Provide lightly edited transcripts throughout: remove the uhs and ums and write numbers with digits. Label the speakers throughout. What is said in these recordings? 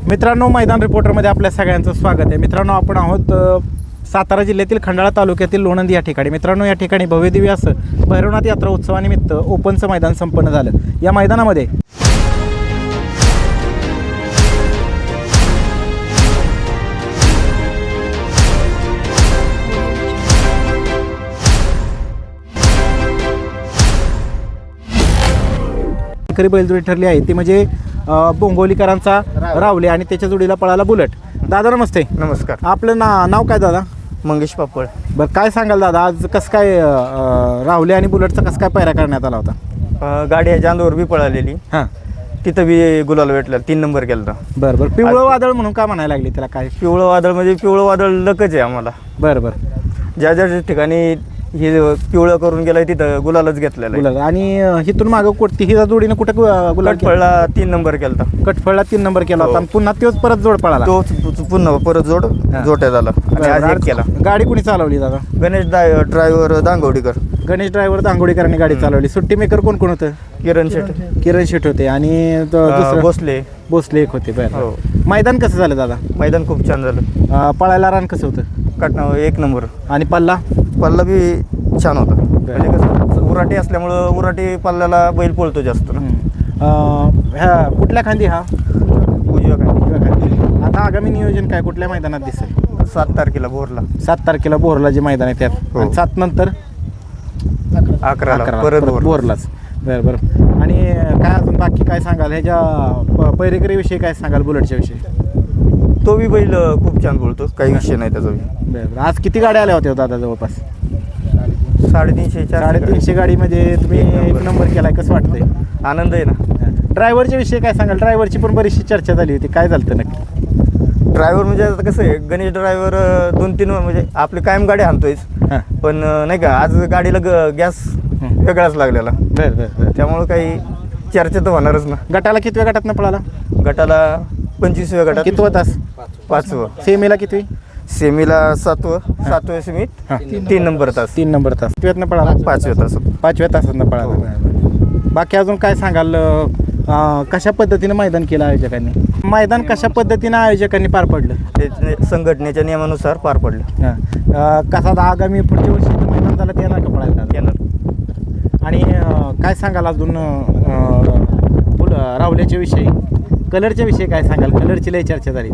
Speaker 1: मित्रांनो, मैदान रिपोर्टरमध्ये आपल्या सगळ्यांचं स्वागत आहे. मित्रांनो, आपण आहोत सातारा जिल्ह्यातील खंडाळा तालुक्यातील लोणंद या ठिकाणी. मित्रांनो, या ठिकाणी भव्यदिव्य असं भैरवनाथ यात्रा उत्सवानिमित्त ओपनचं मैदान संपन्न झालं. या मैदानामध्ये बैलजोडी ठरली आहे ती म्हणजे बोंगवलीकरांचा रावले आणि त्याच्या जोडीला पळाला बुलेट. दादा नमस्ते.
Speaker 2: नमस्कार.
Speaker 1: आपलं नाव काय दादा?
Speaker 2: मंगेश पापड.
Speaker 1: बरं, काय सांगाल दादा, आज कसं काय रावले आणि बुलेटचा कसं काय पायरा करण्यात आला होता?
Speaker 2: गाडी आहे चांदोर बी पळालेली.
Speaker 1: हां,
Speaker 2: तिथं बी गुलाल भेटला, 3 नंबर केला.
Speaker 1: बरं बरं. पिवळं वादळ म्हणून का म्हणायला लागली त्याला? काय
Speaker 2: पिवळं वादळ म्हणजे पिवळं वादळ लकच आहे आम्हाला.
Speaker 1: बरं बरं.
Speaker 2: ज्या ज्या ठिकाणी हे पिवळं करून गेलंय तिथं गुलालच घेतलेला आहे.
Speaker 1: गुलाल. आणि हिथून मागं कोणती ही जोडीनं कुठं गुलाल
Speaker 2: पळला 3 नंबर केला.
Speaker 1: कटफळला 3 नंबर केला होता आणि पुन्हा तोच परत जोड पळाला.
Speaker 2: तो पुन्हा परत जोट्या झाला आणि आज एक केला.
Speaker 1: गाडी कुणी चालवली दादा?
Speaker 2: गणेश ड्रायव्हर दांगवडीकर.
Speaker 1: गणेश ड्रायव्हर दांगोडीकरांनी गाडी चालवली. सुट्टी मेकर कोण कोण होतं?
Speaker 2: किरण शेट.
Speaker 1: किरण शेट होते आणि दुसरं भोसले एक होते. बरं.
Speaker 2: हो.
Speaker 1: मैदान कसं झालं दादा?
Speaker 2: मैदान खूप छान झालं.
Speaker 1: पळायला रान कसं होतं?
Speaker 2: 1 नंबर.
Speaker 1: आणि पल्ला
Speaker 2: बी छान होता. म्हणजे कसं उराटी असल्यामुळं उराटी पल्ल्याला बैल पळतो जास्त ना.
Speaker 1: ह्या कुठल्या खांदी? हा
Speaker 2: उजव्या
Speaker 1: खांदी. आता आगामी नियोजन काय कुठल्या मैदानात दिसेल?
Speaker 2: 7 तारखेला भोरला.
Speaker 1: 7 तारखेला बोरला जे मैदान आहे त्यात.
Speaker 2: हो.
Speaker 1: 7 नंतर
Speaker 2: 11 परत
Speaker 1: बोरलाच. बरं बरं. आणि काय अजून बाकी काय सांगाल ह्याच्या पैरेकरीविषयी? काय सांगाल बुलेटच्या विषयी?
Speaker 2: तो बी बैल खूप छान बोलतो, काही विषय नाही त्याचा बी.
Speaker 1: बरं. आज किती गाड्या आल्या होत्या दादा? जवळपास
Speaker 2: 350
Speaker 1: गाडीमध्ये तुम्ही 1 नंबर केलाय. कसं वाटतंय?
Speaker 2: आनंद आहे ना.
Speaker 1: ड्रायव्हरच्या विषयी काय सांगाल? ड्रायव्हरची पण बरीचशी चर्चा झाली होती. काय झालं नक्की?
Speaker 2: ड्रायव्हर म्हणजे आता कसं आहे, गणेश ड्रायव्हर 2-3 म्हणजे आपली कायम गाडी आणतोयच,
Speaker 1: हां.
Speaker 2: पण नाही का आज गाडीला गॅस वेगळाच लागलेला.
Speaker 1: बरं बरं.
Speaker 2: त्यामुळं काही चर्चा तर होणारच ना.
Speaker 1: गटाला कितव्या गटातनं पळाला?
Speaker 2: गटाला 25व्या गटात.
Speaker 1: कितवा तास?
Speaker 2: 5वं.
Speaker 1: सेमीला कितवी?
Speaker 2: सेमीला 7व्या सेमीत 3 नंबर तास.
Speaker 1: 3 नंबर तास. कितव्यातनं पळाला?
Speaker 2: 5व्या तास.
Speaker 1: 5व्या तासातनं पळाला. बरं. बाकी अजून काय सांगाल? कशा पद्धतीनं मैदान केलं आयोजकांनी? मैदान कशा पद्धतीनं आयोजकांनी पार पडलं?
Speaker 2: ते संघटनेच्या नियमानुसार पार पडलं.
Speaker 1: हां. कसा आगामी पुढच्या वर्षी मैदान झालं ते येणार का पळायला?
Speaker 2: येणार.
Speaker 1: आणि काय सांगाल अजून रावल्याच्या विषयी? कलरच्या विषयी काय सांगाल? कलरची लय चर्चा झाली.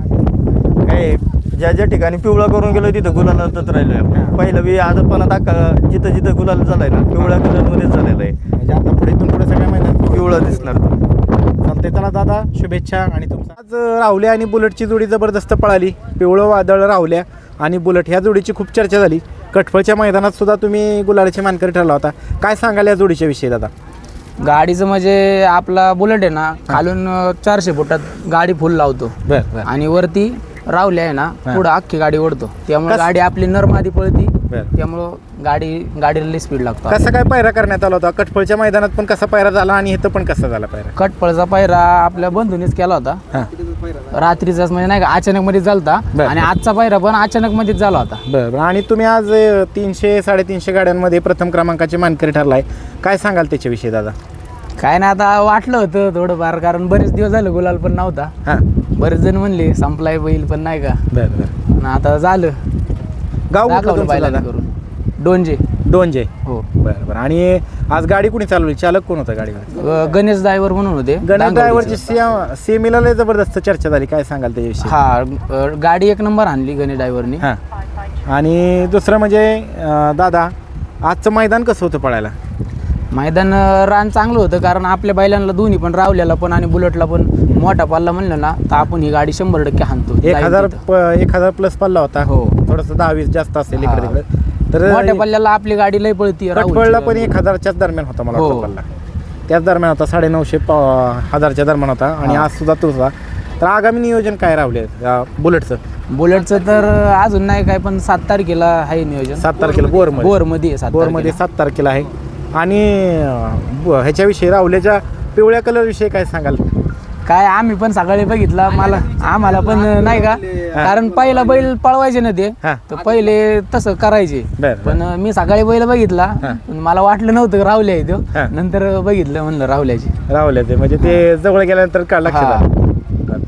Speaker 2: काय ज्या ज्या ठिकाणी पिवळा करून गेलो तिथं गुलालातच राहिलोय. पहिलं बी आजपणा जिथं जिथं गुलाल झालाय ना, पिवळ्या कलरमध्येच झालेला आहे.
Speaker 1: म्हणजे आता इथून पुढे सगळ्या मैदान
Speaker 2: पिवळा दिसणार.
Speaker 1: चालते. चला दादा, शुभेच्छा. आणि तुमचा आज रावल्या आणि बुलेटची जोडी जबरदस्त पळाली. पिवळं वादळ रावल्या आणि बुलेट ह्या जोडीची खूप चर्चा झाली. कटफळच्या मैदानात सुद्धा तुम्ही गुलालाचे मानकरी ठरला होता. काय सांगाल या जोडीच्या विषयी दादा?
Speaker 3: गाडीचं म्हणजे आपला बुलेट आहे ना, खालून 400 फुटात गाडी फुल लावतो
Speaker 1: बरं.
Speaker 3: आणि वरती रावले आहे ना, पुढं अख्खी गाडी ओढतो. त्यामुळे गाडी आपली नरमादी पळती. त्यामुळं गाडीला स्पीड लागतो.
Speaker 1: कसा काय पायरा करण्यात आला होता? कटफळच्या मैदानात पण कसा पायरा झाला आणि इथं पण कसा झाला पायरा?
Speaker 3: कटपळचा पायरा आपल्या बंधूनेच केला होता. रात्रीचाच म्हणजे नाही का, अचानक मध्ये झालता. आणि आजचा पायरा पण अचानक मध्येच झाला होता.
Speaker 1: बरं. आणि तुम्ही आज 300-350 गाड्यांमध्ये प्रथम क्रमांकाचे मानकरी ठरलाय. काय सांगाल त्याच्याविषयी दादा?
Speaker 3: काय नाही, आता वाटलं होतं थोडंफार, कारण बरेच दिवस झाले गुलाल पण नव्हता.
Speaker 1: हां.
Speaker 3: बरेच जण म्हणले संपलाय बैल, पण नाही का.
Speaker 1: बरं.
Speaker 3: आता झालं.
Speaker 1: गाव
Speaker 3: दाखवलं बैलाला करून. डोंजे.
Speaker 1: हो. बरं. आणि आज गाडी कुणी चालवली? चालक कोण होता गाडीवर?
Speaker 3: गणेश ड्रायव्हर म्हणून होते.
Speaker 1: गणेश ड्रायव्हरची सेमीला लय जबरदस्त चर्चा झाली. काय सांगाल त्याच्याविषयी?
Speaker 3: हा, गाडी 1 नंबर आणली गणेश ड्रायव्हरनी.
Speaker 1: हां. आणि दुसरं म्हणजे दादा, आजचं मैदान कसं होतं पळायला?
Speaker 3: मैदान रान चांगलं होतं, कारण आपल्या बैलांना दोन्ही पण, रावल्याला पण आणि बुलेटला पण मोठा पल्ला म्हणलं ना, तर आपण ही गाडी 100% हाणतो.
Speaker 1: 1000 प्लस पल्ला होता.
Speaker 3: हो.
Speaker 1: थोडंसं 10-20 जास्त असेल इकडे तिकडे. तर
Speaker 3: मोठ्या पल्ल्याला आपली गाडी लय पळती.
Speaker 1: कटफळला पण 1000च्याच दरम्यान होता मला वाटतं पल्ला. त्याच दरम्यान होता, 950-1000च्या दरम्यान होता. आणि आज सुद्धा तोच होता. तर आगामी नियोजन काय रावले बुलेटचं?
Speaker 3: तर अजून नाही काय, पण 7 तारखेला आहे नियोजन.
Speaker 1: 7 तारखेला बोरमध्ये 7 तारखेला आहे. आणि ह्याच्याविषयी रावल्याच्या पिवळ्या कलर विषयी काय सांगाल?
Speaker 3: काय आम्ही पण सकाळी बघितला, आम्हाला पण नाही का, कारण पहिला बैल पळवायचे ना ते, तर पहिले तसं करायचे. पण मी सकाळी बैल बघितला, पण मला वाटलं नव्हतं रावले आहे तो. नंतर बघितलं, म्हणलं रावल्याचे
Speaker 1: म्हणजे ते जवळ गेल्यानंतर कळलं.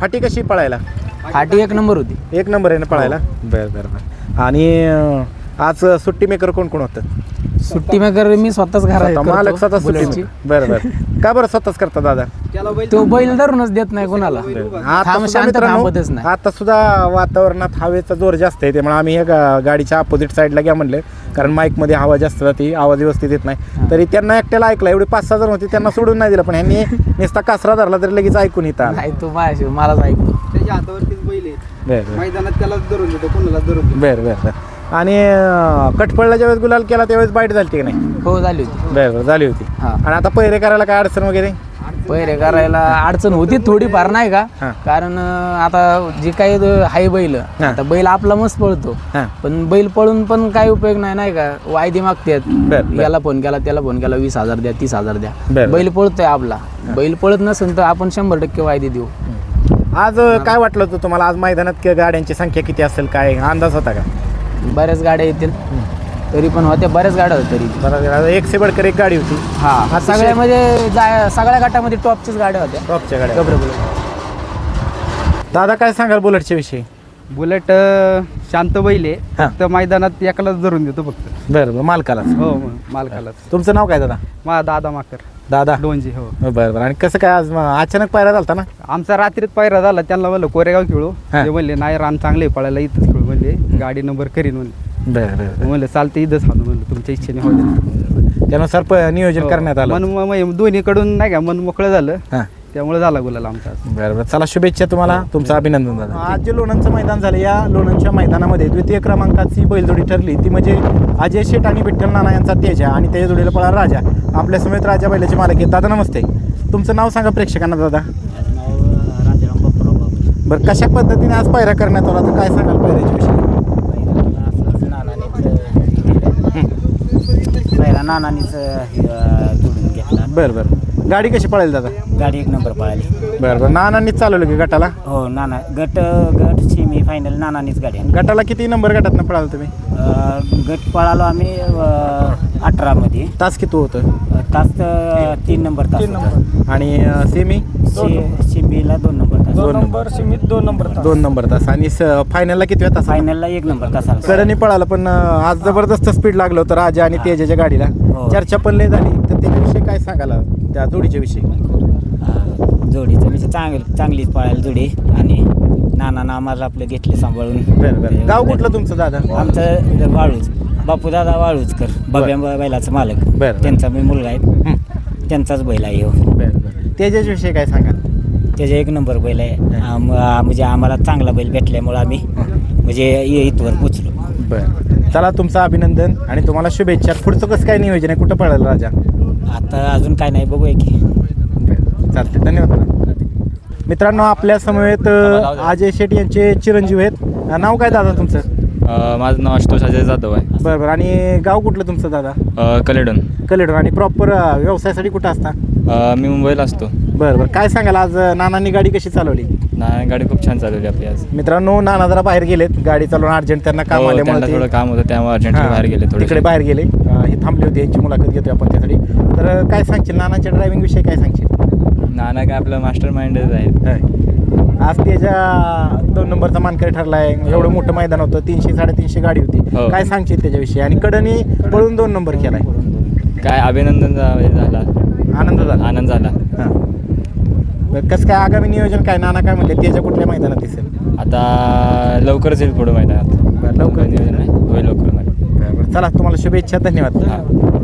Speaker 1: फाटी कशी पळायला?
Speaker 3: फाटी एक नंबर होती.
Speaker 1: एक नंबर आहे ना पळायला. बरं बरं बरं. आणि आज सुट्टी मेकर कोण कोण होतं?
Speaker 3: सुट्टी मेकर मी स्वतःच
Speaker 1: मालक स्वतः सुट्टी
Speaker 3: बुलेटची.
Speaker 1: maker. बरं बरं. का बरं स्वतःच करता दादा?
Speaker 3: तो बैल धरूनच देत नाही कोणाला.
Speaker 1: आता
Speaker 3: थांब,
Speaker 1: सुद्धा
Speaker 3: शांत
Speaker 1: मित्रांनो,
Speaker 3: थांबतच नाही.
Speaker 1: आता सुद्धा वातावरणात हवेचा जोर जास्त आहे, त्यामुळे आम्ही गाडीच्या अपोजिट साईडला घ्या म्हणले, कारण माईकमध्ये हवा जास्त जाते, आवाज व्यवस्थित येत नाही. तरी त्यांना एकट्याला ऐकला, एवढे 5-6 जण होते, त्यांना सोडून नाही दिलं, पण ह्यांनी नुसता कासरा धरला तरी लगेच ऐकून येतात.
Speaker 3: नाही तू माझ्याशी मलाच ऐकतो.
Speaker 4: त्याच्या हातावरतीच बैल आहे.
Speaker 1: बरं
Speaker 4: मैदानात त्यालाच धरून देतो, कोणालाच धरून देतो.
Speaker 1: बरं बरं बरं. आणि कटफळला ज्यावेळेस गुलाल केला त्यावेळेस बाईट झाली की नाही?
Speaker 3: हो झाली होती.
Speaker 1: बरं बरं झाली होती.
Speaker 3: हा.
Speaker 1: आणि आता पहिरे करायला काय अडचण वगैरे?
Speaker 3: पहिरे करायला अडचण होती थोडीफार नाही का,
Speaker 1: हा.
Speaker 3: कारण आता जी काही हाय बैल,
Speaker 1: हा.
Speaker 3: आता बैल आपला मस्त पळतो,
Speaker 1: हां
Speaker 3: पण बैल पळून पण काही उपयोग नाही नाही का. वायदे मागतात,
Speaker 1: बरं.
Speaker 3: याला फोन केला त्याला फोन केला, 20,000 द्या 30,000 द्या.
Speaker 1: बरं.
Speaker 3: बैल पळतोय आपला. बैल पळत नसेल तर आपण 100% वायदे देऊ.
Speaker 1: आज काय वाटलं होतं तुम्हाला? आज मैदानात गाड्यांची संख्या किती असेल, काय अंदाज होता का?
Speaker 3: बऱ्याच गाड्या येतील, तरी पण होत्या बऱ्याच गाड्या होत्या तरी.
Speaker 1: बरं, एक से बडकर एक गाडी होती.
Speaker 3: हा, सगळ्यामध्ये सगळ्या गटामध्ये टॉपच्याच गाड्या होत्या.
Speaker 1: टॉपच्या गाड्या.
Speaker 3: गबरे बुलेट.
Speaker 1: दादा काय सांगाल बुलेटच्या विषयी?
Speaker 4: बुलेट शांत बैल आहे.
Speaker 1: हा.
Speaker 4: फक्त मैदानात एकालाच धरून देतो फक्त.
Speaker 1: बरं बरं, मालकाला.
Speaker 4: हो मालकालाच.
Speaker 1: तुमचं नाव काय दादा?
Speaker 4: माझा दादा माकर
Speaker 1: दादा.
Speaker 4: डोंजी. हो
Speaker 1: बरं बरं. आणि कसं काय आज अचानक पायरा झालता ना?
Speaker 4: आमचा रात्रीत पायरा झाला, त्यांना म्हणलं कोरेगाव खेळू.
Speaker 1: हा.
Speaker 4: ते म्हणले नाही, रान चांगले पळायला इथंच खेळू म्हणले, गाडी नंबर करीन म्हणले.
Speaker 1: बरं बरं.
Speaker 4: म्हणलं चालते इथंच हाणू म्हणलं, तुमच्या इच्छेने होते.
Speaker 1: त्यानुसार नियोजन करण्यात आलं.
Speaker 4: मन दोन्हीकडून नाही का मन मोकळं झालं,
Speaker 1: हां
Speaker 4: त्यामुळे झाला गुलाल आमचा.
Speaker 1: बरं बरं. चला शुभेच्छा तुम्हाला, तुमचं अभिनंदन दादा. आज जे लोणंदचं मैदान झालं, या लोणंदच्या मैदानामध्ये द्वितीय क्रमांकाची बैलजोडी ठरली, ती म्हणजे अजय शेठ आणि विठ्ठल नाना यांचा तेजा आणि त्याच्या जोडीला पळा राजा. आपल्या समेत राजा बैलाचे मालक आहेत. दादा नमस्ते, तुमचं नाव सांगा प्रेक्षकांना दादा. बरं, कशा पद्धतीने आज पायऱ्या करण्यात आला, तर काय सांगाल पायऱ्याच्या विषयी?
Speaker 5: पहिला नानानीच जोडून घेतला.
Speaker 1: बरं बरं. गाडी कशी पळेल दादा?
Speaker 5: गाडी एक नंबर पळाली.
Speaker 1: बरं बरं. नानांनीच चालवलं की गटाला?
Speaker 5: हो नाना गट सेमी फायनल नानानीच गाडी आणली.
Speaker 1: गटाला किती नंबर गटातनं पळाल तुम्ही?
Speaker 5: गट पळालो आम्ही 18 मध्ये.
Speaker 1: तास किती होतं?
Speaker 5: तास 3 नंबर तास होता.
Speaker 1: आणि सेमी?
Speaker 5: शिंबीला 2 नंबर तास.
Speaker 1: 2 नंबर तास. आणि फायनलला किती तास?
Speaker 5: फायनलला 1 नंबर तास आला.
Speaker 1: कडनी पळालं, पण आज जबरदस्त स्पीड लागलं होतं राजा आणि तेजाच्या गाडीला.
Speaker 5: हो.
Speaker 1: चर्चा पण लय झाली, तर त्याच्याविषयी काय सांगाल, त्या जोडीच्या विषयी?
Speaker 5: जोडीचं म्हणजे चांगलीच पळायला जोडी, आणि नाना आम्हाला आपलं घेतले सांभाळून.
Speaker 1: बरं बरं. गाव कुठलं तुमचं दादा?
Speaker 5: आमचं वाळूच, बापूदादा वाळूचकर, बाब्या बैलाचा मालक.
Speaker 1: बरं.
Speaker 5: त्यांचा मी मुलगा आहे, त्यांचाच बैल आहे. हो
Speaker 1: बरं बरं. तेजाच्या विषयी काय सांगाल?
Speaker 5: त्याचा 1 नंबर बैल आहे. म्हणजे आम्हाला चांगला बैल भेटल्यामुळं आम्ही म्हणजे इथवर पोचलो.
Speaker 1: बरं. चला, तुमचं अभिनंदन आणि तुम्हाला शुभेच्छा. पुढचं कसं काय नियोजन आहे, कुठं पळालं राजा?
Speaker 5: आता अजून काय नाही, बघूया की.
Speaker 1: चालते, धन्यवाद. मित्रांनो, आपल्या समवेत अजय शेठ यांचे चिरंजीव आहेत. नाव काय दादा तुमचं?
Speaker 6: माझं नाव आशुतोष अजय जाधव आहे.
Speaker 1: बरं बरं. आणि गाव कुठलं तुमचं दादा?
Speaker 6: कलेडून.
Speaker 1: कलेडून. आणि प्रॉपर व्यवसायासाठी कुठं असता?
Speaker 6: मी मुंबईला असतो.
Speaker 1: बरं बरं. काय सांगाल, आज नानांनी गाडी कशी चालवली?
Speaker 6: नाही, गाडी खूप छान चालवली आपली आज.
Speaker 1: मित्रांनो, नाना जरा बाहेर गेलेत, गाडी चालवून अर्जंट त्यांना काम
Speaker 6: हो,
Speaker 1: आल्यामुळे
Speaker 6: त्यांना
Speaker 1: ते-
Speaker 6: थोडं काम होतं, त्यामुळे अर्जंटली
Speaker 1: हां,
Speaker 6: बाहेर गेले थोडे.
Speaker 1: तिकडे बाहेर गेले. हे थांबले होते, यांची मुलाखत घेतोय आपण त्यासाठी. तर काय सांगशील नानाच्या ड्रायव्हिंग विषयी, काय सांगशील?
Speaker 6: नाना काय आपलं मास्टर माइंडच आहे.
Speaker 1: आज त्याच्या 2 नंबरचा मानकरी ठरलाय. एवढं मोठं मैदान होतं, 300-350 गाडी होती.
Speaker 6: हो.
Speaker 1: काय सांगशील त्याच्याविषयी? आणि कडनी पळून 2 नंबर केलाय.
Speaker 6: काय अभिनंदन झाला,
Speaker 1: आनंद झाला.
Speaker 6: आनंद झाला.
Speaker 1: हां. बरं, कसं काय आगामी नियोजन काय? नाना काय म्हणले, त्याच्या कुठल्या मैदानात दिसेल?
Speaker 6: आता लवकरच येईल पुढं मैदानात.
Speaker 1: बरं, लवकर
Speaker 6: नियोजन आहे, होईल लवकर.
Speaker 1: बरं, चला, तुम्हाला शुभेच्छा, धन्यवाद.
Speaker 6: हां.